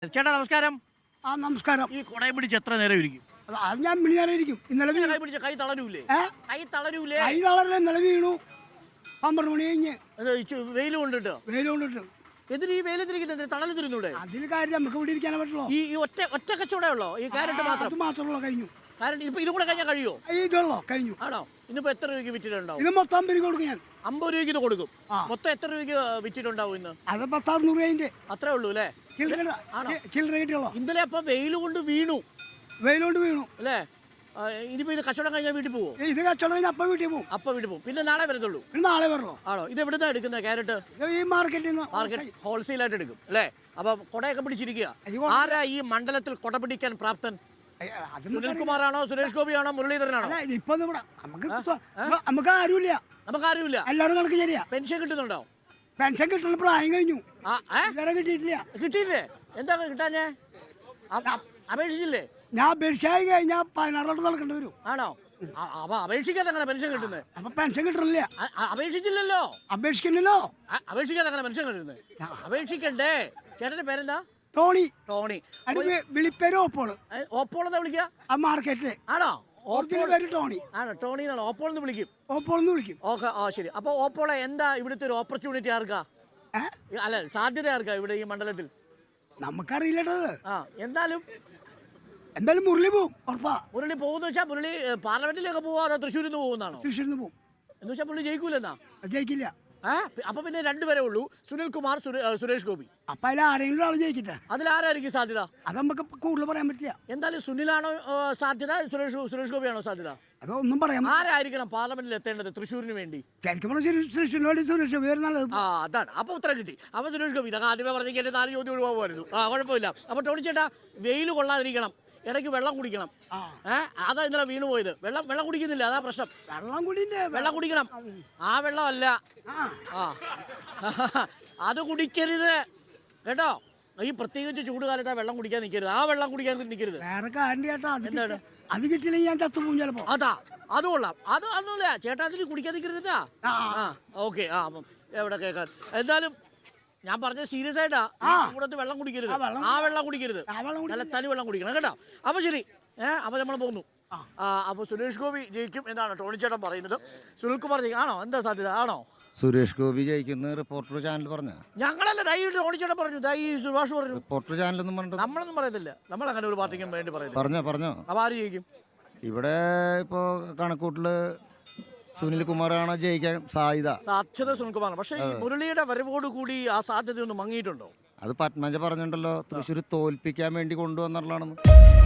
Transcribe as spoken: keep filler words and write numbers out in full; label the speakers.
Speaker 1: ചേട്ടാ നമസ്കാരം.
Speaker 2: ആ നമസ്കാരം.
Speaker 1: ഈ കൊടയം പിടിച്ച് എത്ര നേരം ഇരിക്കും?
Speaker 2: അത് ഞാൻ മിണിയാറായിരിക്കും. ഇന്നലെ
Speaker 1: കൈ പിടിച്ച കൈ തളരൂലേ? കൈ തളരൂലേ?
Speaker 2: കൈ തളരില്ല. ഇന്നലെ വീണു. പന്ത്രണ്ട് മണി കഴിഞ്ഞ്
Speaker 1: വെയിൽ കൊണ്ടിട്ട്
Speaker 2: വെയിൽ കൊണ്ടിട്ട്
Speaker 1: എന്തിന് ഈ വെയിലെത്തിരിക്കുന്നത്? തണല് തിരുന്നൂടെ?
Speaker 2: അതിൽ കാര്യം നമുക്ക് ഇവിടെ ഇരിക്കാനേ പറ്റുള്ളൂ.
Speaker 1: ഈ ഈ ഒറ്റ ഒറ്റ കച്ചവടേ ഉള്ളോ? ഈ ക്യാരറ്റ് മാത്രം?
Speaker 2: അത് മാത്രമുള്ള കഴിഞ്ഞു.
Speaker 1: കാരണം ഇപ്പൊ ഇതും കൂടെ കഴിഞ്ഞാൽ കഴിയോ?
Speaker 2: ഇതുള്ളോ കഴിഞ്ഞു.
Speaker 1: ആണോ? ഇന്നിപ്പോ എത്ര രൂപയ്ക്ക് വിറ്റിട്ടുണ്ടാവും?
Speaker 2: ഇത് മൊത്തം അമ്പത് രൂപ കൊടുക്കും ഞാൻ.
Speaker 1: അമ്പത് രൂപയ്ക്ക് ഇത് കൊടുക്കും. മൊത്തം എത്ര രൂപയ്ക്ക് വിറ്റിട്ടുണ്ടാവും ഇന്ന്?
Speaker 2: അത് പത്താറുന്നൂറ് രൂപ
Speaker 1: അത്രേ ഉള്ളൂ അല്ലേ?
Speaker 2: ചില്ലറ കിട്ടിയുള്ളൂ.
Speaker 1: ഇന്നലെ അപ്പൊ വെയിൽ കൊണ്ട് വീണു.
Speaker 2: വെയിൽ കൊണ്ട് വീണു
Speaker 1: അല്ലേ? ഇനിയിപ്പോ ഇത് കച്ചവടം കഴിഞ്ഞാൽ വീട്ടിൽ പോവോ?
Speaker 2: ഇത് കച്ചവടം കഴിഞ്ഞാൽ അപ്പം വീട്ടിൽ പോകും.
Speaker 1: അപ്പൊ വീട്ടിൽ പോകും. പിന്നെ നാളെ വരത്തുള്ളൂ?
Speaker 2: പിന്നെ നാളെ വരണോ?
Speaker 1: ആണോ? ഇത് എവിടുന്നാ എടുക്കുന്നത് ക്യാരറ്റ്?
Speaker 2: ഈ മാർക്കറ്റിൽ നിന്ന്
Speaker 1: മാർക്കറ്റ് ഹോൾസെയിൽ ആയിട്ട് എടുക്കും അല്ലേ? അപ്പൊ കൊടയൊക്കെ പിടിച്ചിരിക്കുക. ആരാ ഈ മണ്ഡലത്തിൽ കൊട പിടിക്കാൻ പ്രാപ്തൻ? സുനിൽകുമാറാണോ, സുരേഷ് ഗോപിയാണോ, മുരളീധരനാണോ?
Speaker 2: ഇപ്പൊ നമുക്ക് ആരുമില്ല.
Speaker 1: നമുക്ക് ആരുമില്ല.
Speaker 2: എല്ലാവരും കണക്ക് ശരിയാ.
Speaker 1: പെൻഷൻ കിട്ടുന്നുണ്ടോ?
Speaker 2: പെൻഷൻ കിട്ടുന്ന പ്രായം കഴിഞ്ഞു. കിട്ടിയിട്ടില്ല.
Speaker 1: കിട്ടിയില്ലേ? എന്താ കിട്ടാഞ്ഞേ? അപേക്ഷിച്ചില്ലേ?
Speaker 2: ഞാൻ അപേക്ഷയായി കഴിഞ്ഞാൽ പതിനാറോട്ട് നടക്കേണ്ടി വരും.
Speaker 1: ആണോ? അപ്പൊ അപേക്ഷിക്കാതെ അങ്ങനെ പെൻഷൻ കിട്ടുന്നത്?
Speaker 2: അപ്പൊ പെൻഷൻ കിട്ടണില്ല.
Speaker 1: അപേക്ഷിച്ചില്ലല്ലോ.
Speaker 2: അപേക്ഷിക്കണല്ലോ.
Speaker 1: അപേക്ഷിക്കാതെ അങ്ങനെ പെൻഷൻ കിട്ടുന്നത്? അപേക്ഷിക്കണ്ടേ? ചേട്ടന്റെ പേരെന്താ?
Speaker 2: ടോണി.
Speaker 1: ടോണി.
Speaker 2: വിളിപ്പേര് ഓപ്പോള്.
Speaker 1: ഓപ്പോൾ എന്താ വിളിക്കുക?
Speaker 2: ആ മാർക്കറ്റില്.
Speaker 1: ആണോ?
Speaker 2: പേര് ടോണി.
Speaker 1: ആണോ? ടോണി എന്നാണോ? ഓപ്പോൾ എന്ന് വിളിക്കും.
Speaker 2: ഓപ്പോൾ എന്ന് വിളിക്കും.
Speaker 1: ഓക്കെ. ആ ശരി. അപ്പൊ ഓപ്പോളെ എന്താ ഇവിടുത്തെ ഒരു ഓപ്പർച്യൂണിറ്റി ആർക്കാ? അല്ല, സാധ്യത ആർക്കാ ഇവിടെ ഈ മണ്ഡലത്തിൽ?
Speaker 2: നമുക്കറിയില്ലട്ടത്.
Speaker 1: ആ എന്തായാലും
Speaker 2: എന്തായാലും മുരളി പോവും ഉറപ്പാ.
Speaker 1: മുരളി പോകുന്ന വെച്ചാൽ മുരളി പാർലമെന്റിലേക്ക് പോവാ അതോ തൃശ്ശൂരിൽ നിന്ന് പോകുന്നതാണോ?
Speaker 2: തൃശ്ശൂരിൽ നിന്ന് പോകും.
Speaker 1: എന്ന് വെച്ചാൽ പുള്ളി ജയിക്കൂലെന്നാ?
Speaker 2: ജയിക്കില്ല.
Speaker 1: അപ്പൊ പിന്നെ രണ്ടുപേരെ ഉള്ളൂ, സുനിൽകുമാർ, സുരേഷ് ഗോപി.
Speaker 2: അപ്പൊ അതിൽ ആരെങ്കിലും ആൾ ജയിക്കട്ടെ.
Speaker 1: അതിലാരായിരിക്കും സാധ്യത?
Speaker 2: അത് നമുക്ക് കൂടുതൽ പറയാൻ പറ്റില്ല.
Speaker 1: എന്തായാലും സുനിലാണോ സാധ്യത, സുരേഷ് സുരേഷ് ഗോപിയാണോ സാധ്യത?
Speaker 2: അതൊന്നും പറയാം.
Speaker 1: ആരായിരിക്കണം പാർലമെന്റിൽ എത്തേണ്ടത് തൃശ്ശൂരിന് വേണ്ടി?
Speaker 2: സുരേഷിന് വേണ്ടി സുരേഷ് ഗോപി നല്ലത്.
Speaker 1: ആ അതാണ്. അപ്പൊ ഉത്തരം കിട്ടി. അപ്പൊ സുരേഷ് ഗോപി ഇതൊക്കെ ആദ്യമേ പറഞ്ഞെങ്കിൽ എന്റെ നാല് ചോദ്യം ഒഴിവാകുമായിരുന്നു. ആ കുഴപ്പമില്ല. അപ്പൊ ടോണി ചേട്ടാ, വെയിൽ കൊള്ളാതിരിക്കണം, ഇടയ്ക്ക് വെള്ളം കുടിക്കണം. ഏഹ് അതാ ഇന്നലെ വീണു പോയത്. വെള്ളം വെള്ളം കുടിക്കുന്നില്ല, അതാ പ്രശ്നം.
Speaker 2: വെള്ളം കുടിയില്ലേ?
Speaker 1: വെള്ളം കുടിക്കണം. ആ വെള്ളമല്ല, ആ അത് കുടിക്കരുത് കേട്ടോ. ഈ പ്രത്യേകിച്ച് ചൂട് കാലത്ത് ആ വെള്ളം കുടിക്കാൻ നിൽക്കരുത്. ആ വെള്ളം കുടിക്കാൻ നിൽക്കരുത്.
Speaker 2: വേറെ കാര്യം ചേട്ടാ, എന്താണ് അത് കിട്ടിയില്ലെങ്കിൽ ഞാൻ ചത്തുപോകും ചിലപ്പോ.
Speaker 1: അതാ അത് കൊള്ളാം. അത് ഒന്നുമില്ല ചേട്ടാ, അതിന് കുടിക്കാൻ നിൽക്കരുതാ. ആ ഓക്കെ. ആ അപ്പം എവിടെ കേൾക്കാൻ. എന്തായാലും ഞാൻ പറഞ്ഞത് സീരിയസ് ആയിട്ടാ. കൂടത്ത് വെള്ളം കുടിക്കരുത്. ആ വെള്ളം കുടിക്കരുത്, നല്ല തനി വെള്ളം കുടിക്കണം കേട്ടോ. അപ്പൊ ശരി. ഏഹ് അപ്പൊ നമ്മൾ പോകുന്നു. ആ അപ്പൊ സുരേഷ് ഗോപി ജയിക്കും എന്നാണ് ടോണി ചേട്ടൻ പറയുന്നത്. സുനിൽകുമാർ ജയിക്കും ആണോ? എന്താ സാധ്യത? ആണോ?
Speaker 3: സുരേഷ് ഗോപി ജയിക്കുന്ന റിപ്പോർട്ടർ ചാനൽ പറഞ്ഞ
Speaker 1: ഞങ്ങളല്ല. ദൈ ടോണി ചേട്ടൻ പറഞ്ഞു, ദൈ സുഭാഷ് പറഞ്ഞു.
Speaker 3: റിപ്പോർട്ടർ ചാനലൊന്നും പറഞ്ഞിട്ട്
Speaker 1: നമ്മളൊന്നും പറയത്തില്ല. നമ്മൾ അങ്ങനെ ഒരു പാർട്ടിക്കും വേണ്ടി പറയുന്നത്.
Speaker 3: പറഞ്ഞോ പറഞ്ഞോ.
Speaker 1: അപ്പൊ ആര് ജയിക്കും?
Speaker 3: ഇവിടെ ഇപ്പോ കണക്കൂട്ടില് സുനിൽകുമാറാണ് ജയിക്കാൻ സാധ്യത.
Speaker 1: സാധ്യത സുനിൽകുമാറാണ്. പക്ഷേ ഈ മുരളിയുടെ വരവോട് കൂടി ആ സാധ്യത ഒന്ന് മങ്ങിയിട്ടുണ്ടോ?
Speaker 3: അത് പത്മജ പറഞ്ഞിട്ടുണ്ടല്ലോ, തൃശ്ശൂർ തോൽപ്പിക്കാൻ വേണ്ടി കൊണ്ടുവന്നുള്ളതാണെന്ന്.